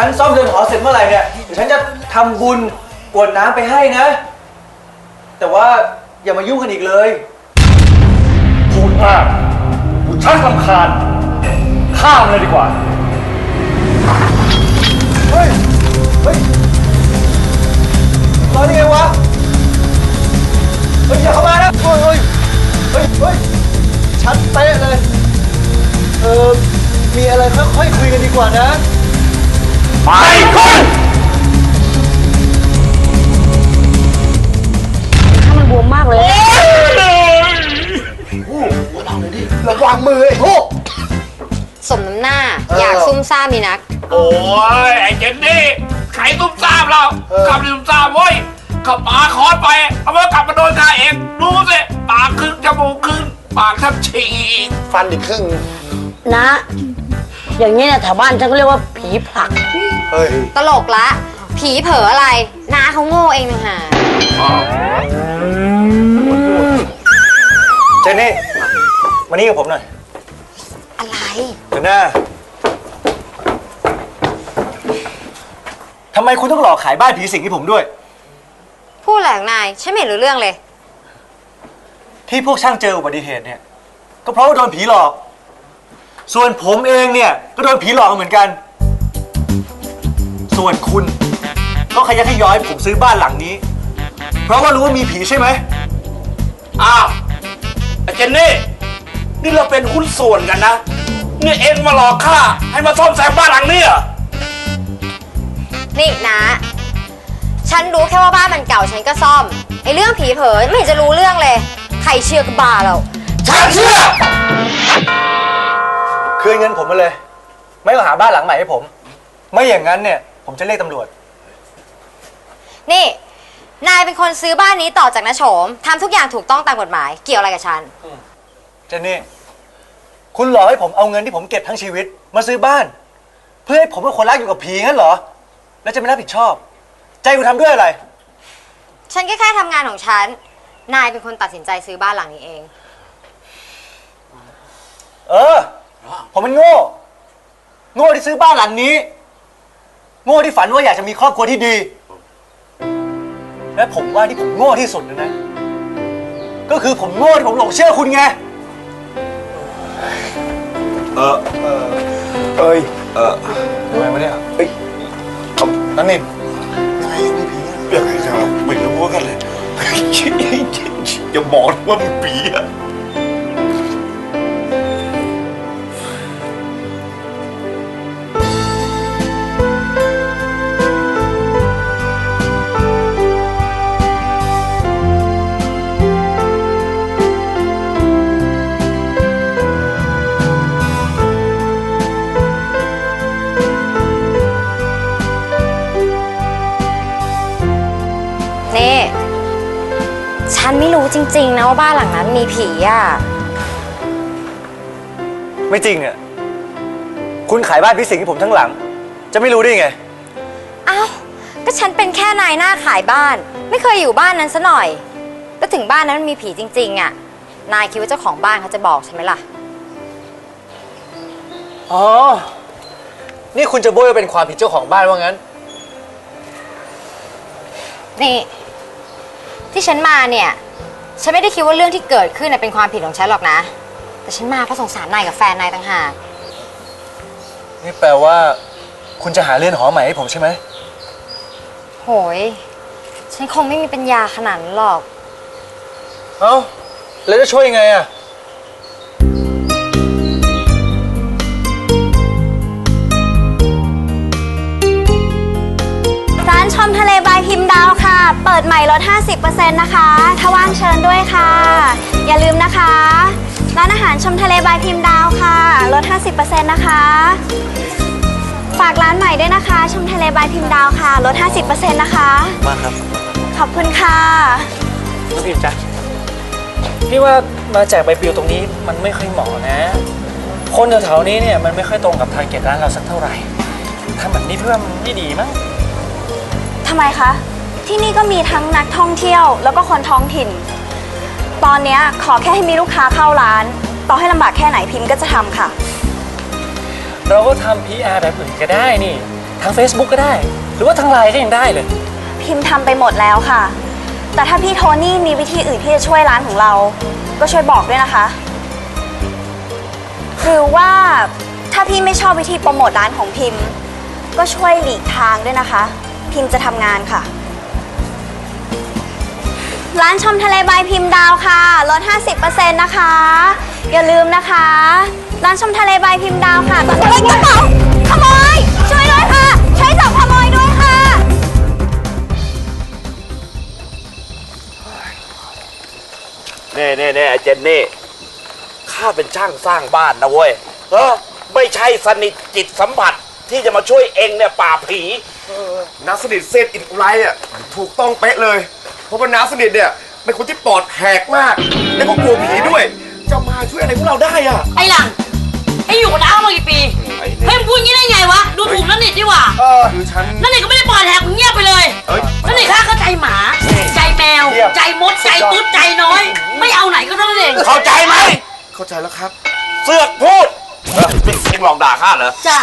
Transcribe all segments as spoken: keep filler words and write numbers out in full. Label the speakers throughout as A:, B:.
A: ฉันซ่อมเรือนหอเสร็จเมื่อไหร่เนี่ยเดี๋ยวฉันจะทำบุญกรวดน้ำไปให้นะแต่ว่าอย่ามายุ่งกันอีกเลย
B: พูดมากกูชักรำคาญข้ามเลยดีกว่า
A: เฮ้ยเฮ้ยรอได้ไงวะเฮ้ยอย่าเข้ามานะเฮ้ยเฮ้ยเฮ้ยเฮ้ยชัดเป๊ะเลยเออมีอะไรค่อยๆคุยกันดีกว่านะ
B: ไปคุณ
C: ถ้ามันบวมมากเลย
A: ระวังมือไอ้พวก
C: สมน้ำหน้าอยากซุ่มซ่ามมีนัก
D: โอ้ยไอ้เจนนี่ใครตุ้มซ่ามเราขับตุ้มซ่ามเว้ยขับปาคอนไปเอาไว้กลับมาโดนข้าเองดูสิปากครึ่งจมูกครึ่งปากแทบฉีก
A: ฟันอีกครึ่ง
C: นะอย่างนี้เนี่ยแถวบ้านฉันก็เรียกว่าผีผลัก
A: เฮ้ย
C: ตลกละผีเผลออะไรน้าเขาโง่เองนะฮะ
A: เจนนี่มานี่กับผมหน่อย
C: อะไร
A: เดี๋ยวหน้าทำไมคุณต้องหลอกขายบ้านผีสิงให้ผมด้วย
C: พูดแหลงนายฉันไม่เห็นรู้เรื่องเลย
A: ที่พวกช่างเจออุบัติเหตุเนี่ยก็เพราะว่าโดนผีหลอกส่วนผมเองเนี่ยก็โดนผีหลอกเหมือนกันส่วนคุณก็ขยันขย้อยผมซื้อบ้านหลังนี้เพราะว่ารู้ว่ามีผีใช่ไหม
D: อ้าวไอ้เจนนี่นี่เราเป็นหุ้นส่วนกันนะเนี่ยเอ็งมาหลอกข้าให้มาซ่อมแซมบ้านหลังนี้เหรอ
C: นี่นะฉันรู้แค่ว่าบ้านมันเก่าฉันก็ซ่อมไอ้เรื่องผีเผลอไม่เห็นจะรู้เรื่องเลยใครเชื่อก็บ้าเรา
D: ฉันเชื่อ
A: คืนเงินผมมาเลยไม่ต้องหาบ้านหลังใหม่ให้ผมไม่อย่างนั้นเนี่ยผมจะเรียกตำรวจ
C: นี่นายเป็นคนซื้อบ้านนี้ต่อจากน้าโฉมทำทุกอย่างถูกต้องตามกฎหมายเกี่ยวอะไรกับฉัน
A: เจนนี่คุณหลอกให้ผมเอาเงินที่ผมเก็บทั้งชีวิตมาซื้อบ้านเพื่อให้ผมเป็นคนรักอยู่กับผีงั้นเหรอแล้วจะไม่รับผิดชอบใจคุณทำด้วยอะไร
C: ฉันแค่แค่ทำงานของฉันนายเป็นคนตัดสินใจซื้อบ้านหลังนี้เอง
A: เออผมมันโง่โง่ที่ซื้อบ้านหลังนี้โง่ที่ฝันว่าอยากจะมีครอบครัวที่ดีและผมว่าที่ผมโง่ที่สุดนะก็คือผมโง่ที่ผมหลงเชื่อคุณไง
D: เออ
A: เออเอ้ย
D: เออ
A: ทำไมวะเนี่ย
D: เฮ้ย
A: นั่นนี่
D: ไงมีผียังไงจะไม่รู้ว่ากันเลยอย่าบอกว่ามีผีอะ
C: ฉันไม่รู้จริงๆนะว่าบ้านหลังนั้นมีผีอ่ะ
A: ไม่จริงอ่ะคุณขายบ้านผีสิงให้ผมทั้งหลังจะไม่รู้ได้ไง
C: อ้าวก็ฉันเป็นแค่นายหน้าขายบ้านไม่เคยอยู่บ้านนั้นซะหน่อยแล้วถึงบ้านนั้นมันมีผีจริงๆอ่ะนายคิดว่าเจ้าของบ้านเขาจะบอกใช่ไหมล่ะ
A: อ๋อนี่คุณจะโบยว่าเป็นความผิดเจ้าของบ้านว่างั้น
C: นี่ที่ฉันมาเนี่ยฉันไม่ได้คิดว่าเรื่องที่เกิดขึ้นเป็นความผิดของฉันหรอกนะแต่ฉันมาเพราะสงสารนายกับแฟนนายต่างหาก
A: นี่แปลว่าคุณจะหาเรือนหอใหม่ให้ผมใช่ไหม
C: โหยฉันคงไม่มีปัญญาขนาดนั้นหรอก
A: เอ้าแล้วจะช่วยยังไงอะ
E: ร้านชมทะเลบายพิมพ์ดาวค่ะเปิดใหม่ลด ห้าสิบเปอร์เซ็นต์ นะคะถ้าว่างเชิญด้วยค่ะอย่าลืมนะคะร้านอาหารชมทะเลบายพิมพ์ดาวค่ะลด ห้าสิบเปอร์เซ็นต์ นะคะฝากร้านใหม่ด้วยนะคะชมทะเลบายพิมพ์ดาวค่ะลด ห้าสิบเปอร์เซ็นต์ นะคะ
A: มาครับ
E: ขอบคุณค่ะ
F: น้องพิมพ์จ๊ะพี่ว่ามาแจกใบปลิวตรงนี้มันไม่ค่อยเหมาะนะคนแถวๆนี้เนี่ยมันไม่ค่อยตรงกับทาร์เก็ตร้านเราสักเท่าไหร่ทำแบบนี้เพื่อมันไม่ดีมั้ง
E: ทำไมคะที่นี่ก็มีทั้งนักท่องเที่ยวแล้วก็คนท้องถิ่นตอนนี้ขอแค่ให้มีลูกค้าเข้าร้านต่อให้ลำบากแค่ไหนพิมพ์ก็จะทำค่ะ
F: เราก็ทำ พี อาร์ แบบอื่นก็ได้นี่ทาง Facebook ก็ได้ หรือว่าทางไลน์ก็ยังได้เลย
E: พิมพ์ทำไปหมดแล้วค่ะ แต่ถ้าพี่โทนี่มีวิธีอื่นที่จะช่วยร้านของเรา ก็ช่วยบอกด้วยนะคะ หรือว่าถ้าพี่ไม่ชอบวิธีโปรโมทร้านของพิมพ์ ก็ช่วยหลีกทางด้วยนะคะ พิมพ์จะทำงานค่ะ ร้านชมทะเลบายพิมพ์ดาวค่ะลด ห้าสิบเปอร์เซ็นต์ นะคะ อย่าลืมนะคะ ร้านชมทะเลบายพิมพ์ดาวค่ะตอนนี้กระเป๋าขโมยช่วยด้วยค่ะช่วยจับขโมยด้วยค่ะ
D: เน่เน่เน่ไอ้เจนนี่ข้าเป็นช่างสร้างบ้านนะเว้ยเออไม่ใช่สนิทจิตสัมผัสที่จะมาช่วยเองเนี่ยป่าบผี
B: น้าสนิทเซตอินไรอ่ะถูกต้องเป๊ะเลย เพราะว่าน้าสนิทเนี่ยเป็นคนที่ปอดแหกมาก แล้วก็กลัวผีด้วย จะมาช่วยอะไรพวกเราได้อ่ะ
G: ไอ้หลังไอ้อยู่กับน้ามากี่ปี
D: ไอ้นี่
G: เฮ้ยมึงพูดงี้ได้ไงวะ ดูถูกนั่นนิดดีกว่า
B: เออคือฉัน
G: นั่นนิดก็ไม่ได้ปล่อยแหกมึงเงียบไปเลย
B: เอ้ย
G: นั่นนิดข้าก็ใจหมา ใจแมว
B: เยี่ยม
G: ใจมด ใจตุ๊ด ใจน้อย ไม่เอาไหนก็เท่านั้นเอง
D: เข้าใจไหม
B: เข้าใจแล้วครับ
D: เสือกพูดเออนี่เองลองด่าข้าเหรอ
G: จ้ะ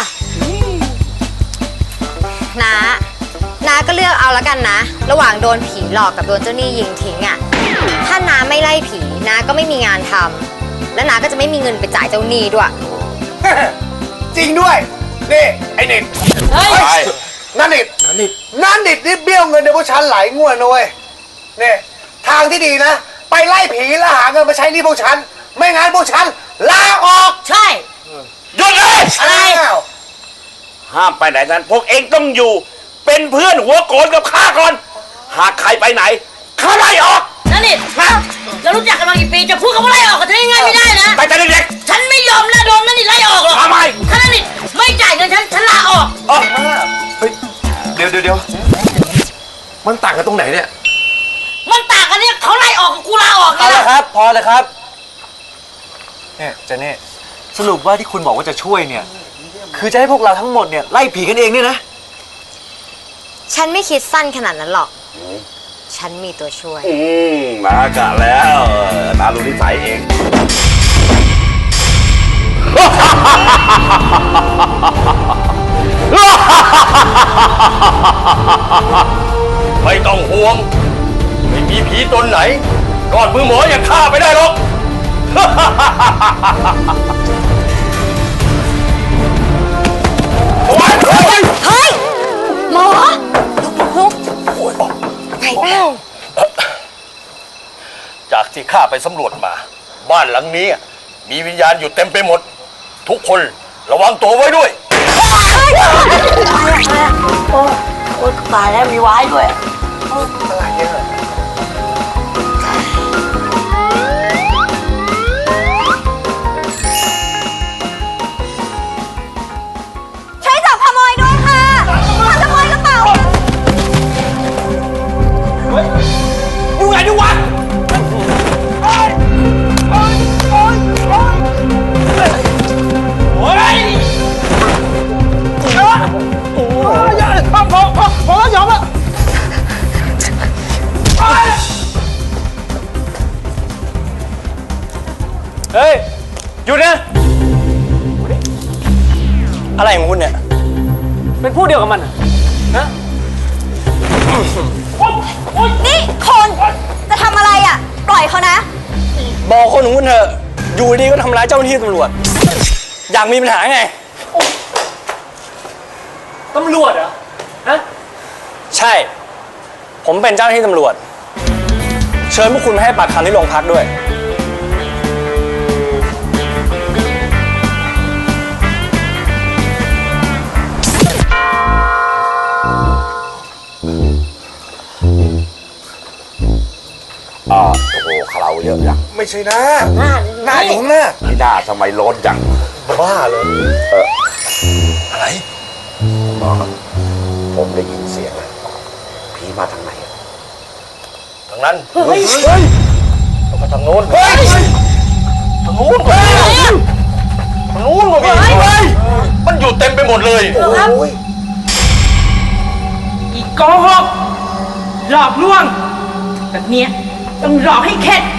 C: น้าน้าก็เลือกเอาแล้วกันนะ ระหว่างโดนผีหลอกกับโดนเจ้าหนี้ยิงทิ้งอะถ้าน้าไม่ไล่ผีน้าก็ไม่มีงานทำและน้าก็จะไม่มีเงินไปจ่ายเจ้าหนี้ด้วย
B: จริงด้วย นี่ ไอ้เน็ต
G: เฮ้ย
D: ใช่
B: นั่นนิดนั่นนิดนั่นนิดนี่เบี้ยวเงินในพวกฉันหลายงวดนะเว้ยนี่ทางที่ดีนะ ไปไล่ผีแล้วหาเงินมาใช้หนี่พวกฉัน ไม่งั้นพวกฉันลาออก
G: ใช่
D: หยุดเลย
G: อะไร
B: อ้าว
D: ห้ามไปไหนนั้นพวกเองต้องอยู่ เป็นเพื่อนหัวโกนกับข้าก่อน หากใครไปไหนข้าไล่ออก
G: นั่นนิดเรารู้จักกันมากี่ปี จะพูดคำว่าไล่ออกกับฉันง่ายๆไม่ได้นะ
D: ไปแต่เด็ก
G: ฉันไม่ยอมนะโดนนั่นนิดไล่ออกหรอก
D: ทำไม
G: ถ้านั่นนิดไม่จ่ายเงินฉัน ฉันลาออก
D: ๆอ๋อ
B: เฮ้ยเดี๋ยวเดี๋ยวเดี๋ยวมันต่างกันตรงไหนเนี่ย
G: มันต่างกันเนี่ยเขาไล่ออกกับกูลาออกไง
A: เอาละ
G: ล่ะ
A: ครับ พอเลยครับเนี่ยเจเน่สรุปว่าที่คุณบอกว่าจะช่วยเนี่ย คือจะให้พวกเราทั้งหมดเนี่ยไล่ผีกันเองเนี่ยนะ
C: ฉันไม่คิดสั้นขนาดนั้นหรอก ฉันมีตัวช่วย
D: อืมนากะแล้วเออนารู้นิสัยเอง
B: ไม่ต้องห่วง ไม่มีผีตนไหนรอดมือหมออย่างข้าไปได้หรอก
C: เฮ้ย หมอลุกลุกไหวเปล่า
B: จากที่ข้าไปสำรวจมา บ้านหลังนี้มีวิญญาณอยู่เต็มไปหมด ทุกคนระวังตัวไว้ด้วย
G: โอ้ตายแล้วมีไว้ด้วย
E: ช่วยจับขโมยด้วยค่ะมาขโมยกระเป๋า
D: อยู่ไหนดูวะ โอ้ย
F: เฮ้ย หยุดนะ อะไรของคุณเนี่ย เป็นผู้เดียวกับมันเหรอนะ
E: นี่คนจะทำอะไรอ่ะ ปล่อยเขานะ
F: บอกคนของคุณเถอะ อยู่ดีก็ทำร้ายเจ้าหน้าที่ตำรวจ อยากมีปัญหาไง ตำรวจเหรอ ฮะ ใช่ ผมเป็นเจ้าหน้าที่ตำรวจ เชิญพวกคุณมาให้ปากคำที่โรงพักด้วย
D: อ่าโอ้โหคาราเยอะจัง
B: ไม่ใช่นะหน้าอยู่ข้างหน้า
D: นี่หน้าทำไมร้อนจัง
B: บ้าเลย
D: เออ
B: อะไร
D: หมอครับผมได้ยินเสียงแล้วผีมาทางไหนอะ
B: ทางนั้น
G: เฮ้ย
B: แล้วก็ทางโน้นเฮ้ยทางโน้นเฮ้ยทางโน้นก็มีเฮ้ยมันอยู่เต็มไปหมดเลย
G: ครับ
B: โอ้ย
G: อีกโกหกหลอกลวง แบบเนี้ยต้องหลอกให้เข็ด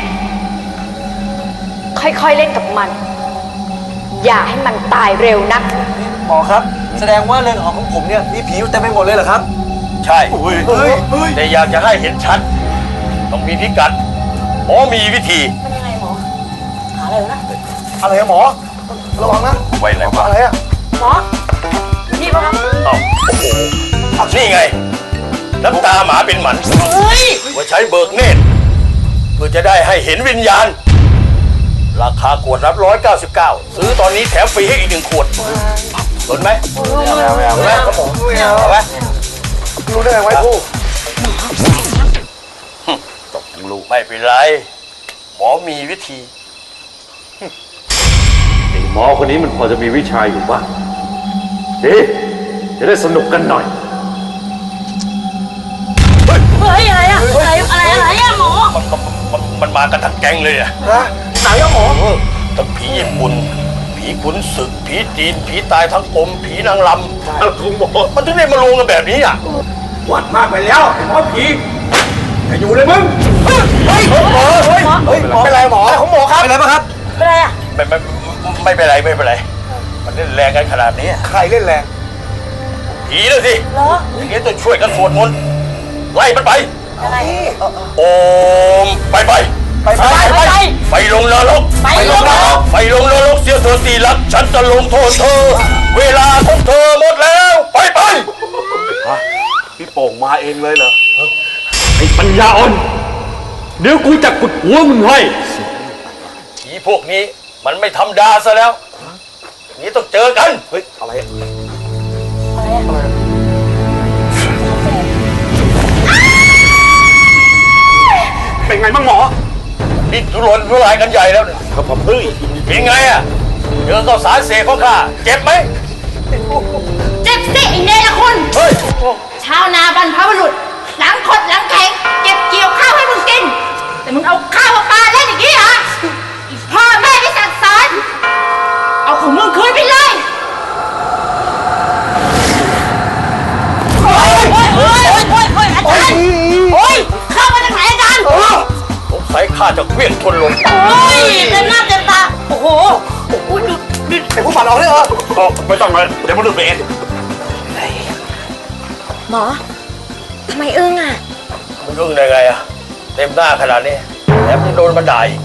C: ค่อยๆเล่นกับมัน อย่าให้มันตายเร็วนัก
B: หม
A: มอครับ แสดงว่าเรือนหอของผมเนี่ยมีผีอยู่เต็มไปหมดเลยเหรอครับ
H: ใช่
A: เฮ้ยเฮ้ย
H: แต่อยากจะให้เห็นชัด ต้องมีพิกัดหมอมีวิธี
B: อะไรอะหมอ ระวังนะ
H: ไว้ไหนวะ
B: อะไรอะ
H: เอ้าโอ้โหนี่ไง น้ำตาหมาเป็นหมันว่าใช้เบิกเนตรเพื่อจะได้ให้เห็นวิญญาณ ราคาขวดรับร้อยเก้าสิบเก้าซื้อตอนนี้แถมฟรีให้อีกหนึ่งขวดสนไหมไม่เอาไม่เอาไม่เอาครับผมไม่เอาไหม
B: รู้ได้ไงไว้ผู้
H: ตกลูกไม่เป็นไร หมอมีวิธี
I: ไอ้หมอคนนี้มันพอจะมีวิชาอยู่บ้างดีจะได้สนุกกันหน่อย
G: เฮ้ย อะไรอะอะไรอะไรอะไรอะหมอ
H: มันมันมันมากันทั้งแก๊งเลยอะ
B: ฮะไหนอะหมอ
H: เออทั้งผีญี่ปุ่น ผีขุนศึก ผีจีน ผีตายทั้งกลม ผีนางลำคุณหมอมันถึงได้มารวมกันแบบนี้อ่ะ
D: วัดมากไปแล้วไอ้หมอผีอย่าอยู่เลยมึง
B: เฮ้ยหมอเฮ้ยเฮ้ยหมอเป็นไรหมออะไรของหมอครับ
A: เป็นไรบ้างครับ
G: เป็นไรอะ
H: ไม่ไม่ไม่เป็นไรไม่เป็นไร มันเล่นแรงกันขนาดนี้
B: ใครเล่นแรง
H: ผีเลยสิ
G: เหรอ
H: อย่างนี้ต้องช่วยกันสวดมนต์ไล่มันไป
G: อะไร
H: โอมไปไป
B: ไปไป
G: ไปไป
H: ไปลงนรก
G: ไปลงนรก
H: ไปลงนรกเสียเธอตีรัก ฉันจะลงโทษเธอ เวลาของเธอหมดแล้ว ไปไป
I: พี่โป่งมาเองเลยเหรอ ไอ้ปัญญาอ่อน เดี๋ยวกูจะกุดหัวมึงให้
H: ผีพวกนี้มันไม่ธรรมดาซะแล้วอย่างนี้ต้องเจอกัน
B: เฮ้ยอะไรอะ
H: เป็นไงบ้างหมอดิ้นทุรนทุรายกันใหญ่แล้วเนี่ยครับผมเฮ้ยเป็นไงอ่ะเจอข้าวสารเสกของข้าเจ็บไหม
G: เจ็บสิไอ้เนรคุณ
H: เฮ้ย
G: ชาวนาบรรพบุรุษ หลังขดหลังแข็งเก็บเกี่ยวข้าวให้มึงกิน แต่มึงเอาข้าวมาปาเล่นอย่างนี้เหรออีพ่อแม่ไม่สั่งสอน เอาของมึงคืนไปเลยโอ้ยโอ้ยโอ้ยโอ้ยโอ้ยโอ้ยอาจารย์โอ้ยเข้ามาจากไหนอาจารย์
H: สงสัยข้าจะเคลื่อนทนลง
G: โอ้ยเต็มหน้าเต็มตา โอ้โหโอ้ยดูดู
B: ไอ้ผู้ฝันออกได้เหรอ
H: ก็ไม่ต้องเลยเดี๋ยวมันดูไปเอง
C: หมอ ทำไมอึ้งอ่ะ
H: มันยุ่งได้ไงอ่ะเต็มหน้าขนาดนี้แถมยังโดนบันไดอีก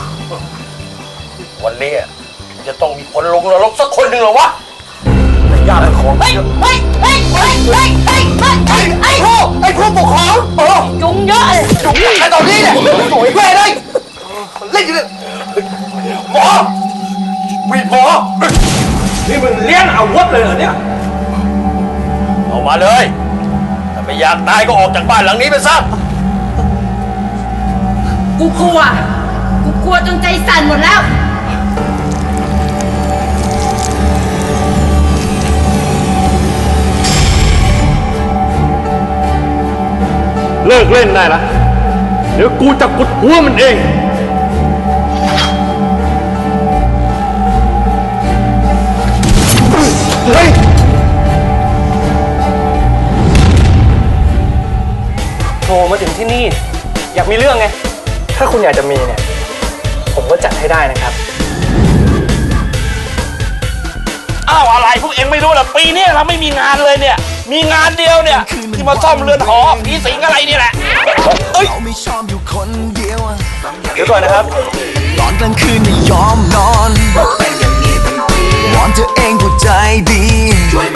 H: วันนี้อะจะต้องมีคนลงนรกสักคนหนึ่งเหรอวะญาติของ
G: เฮ้ยเฮ้ยเฮ้ยเฮ้ยเฮ้ยเฮ้ยเฮ้ยเฮ้ยไอ้ผู้
B: ไอ้ผู้ปกครองเออ
G: จุงเยอะเลย
B: จุกไอ้ตอนนี้เนี่ยสวยแม่เลยเล่นอยู่เลย
H: หมอวีดหมอ
D: นี่มึงเลี้ยงอาวุธเลยเหรอเนี่ย
H: เอามาเลยถ้าไม่อยากตายก็ออกจากบ้านหลังนี้ไปซะ
G: กูกลัว กูกลัวจนใจสั่นหมดแล้ว
I: เลิกเล่นได้ละ เดี๋ยวกูจะกุดหัวมันเอง
B: เฮ้ย
F: โทรมาถึงที่นี่ อยากมีเรื่องไง ถ้าคุณอยากจะมีเนี่ย ผมก็จัดให้ได้นะครับ
D: อ้าวอะไรพวกเอ็งไม่รู้เหรอปีนี้เราไม่มีงานเลยเนี่ย มีงานเดียวเนี่ย ที่มาซ่อมเรือนหอผีสิงอะไรนี่แหละเอ้ย
J: เราไม่ชอบอยู่คนเดียว
F: เดี๋ยวก่อนนะครับ
J: ตอนกลางคืนไม่ยอมนอนวอนเธอเองผู้ใจดี